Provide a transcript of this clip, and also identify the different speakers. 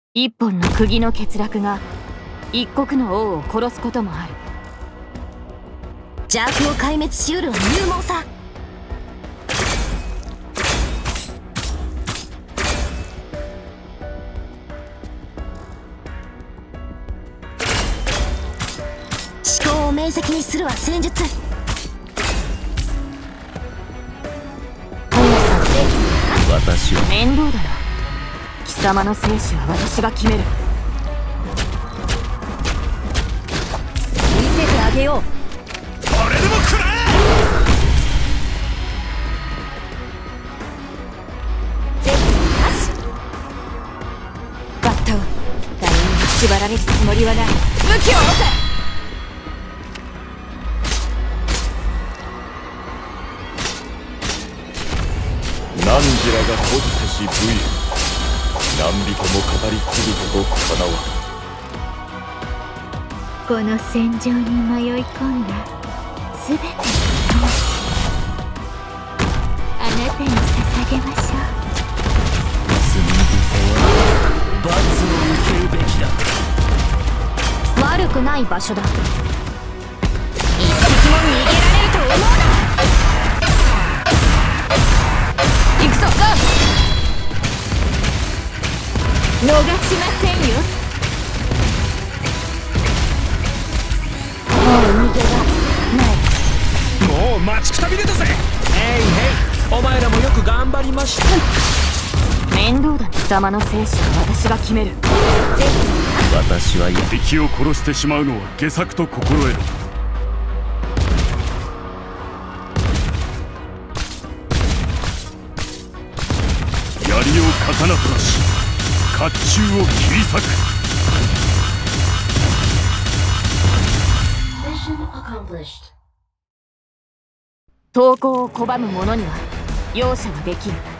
Speaker 1: 一本の釘の欠落が一国の王を殺すこともある。
Speaker 2: 邪悪を壊滅しうるは勇猛さ。思考を明晰にするは戦術。
Speaker 3: 私は
Speaker 1: 面倒だな。貴様の生死は私が決める。
Speaker 2: 見せてあげよう。
Speaker 4: これでも食らえ。
Speaker 2: 絶なし。
Speaker 1: バッタを誰にも縛られるつもりはない。武器を下ろせ。
Speaker 3: 汝らが保持せし武勇、何人も語り継ぐことかなわ。
Speaker 5: この戦場に迷い込んだすべての魂、あなたに捧げましょう。
Speaker 4: 罪人は罰を受けるべきだ。
Speaker 2: 悪くない場所だ。一匹も逃げられると思うな。
Speaker 1: 行くぞ。
Speaker 5: 逃しませんよ。
Speaker 2: もう逃げはない。
Speaker 4: もう待ちくたびれたぜ。へいへい、お前らもよく頑張りました。
Speaker 1: 面倒だな。貴様の生死は私が決める。
Speaker 3: 私は
Speaker 6: 敵を殺してしまうのは下策と心得る。槍を刀となし、甲冑を切り裂く。
Speaker 1: 投降を拒む者には容赦はできぬ。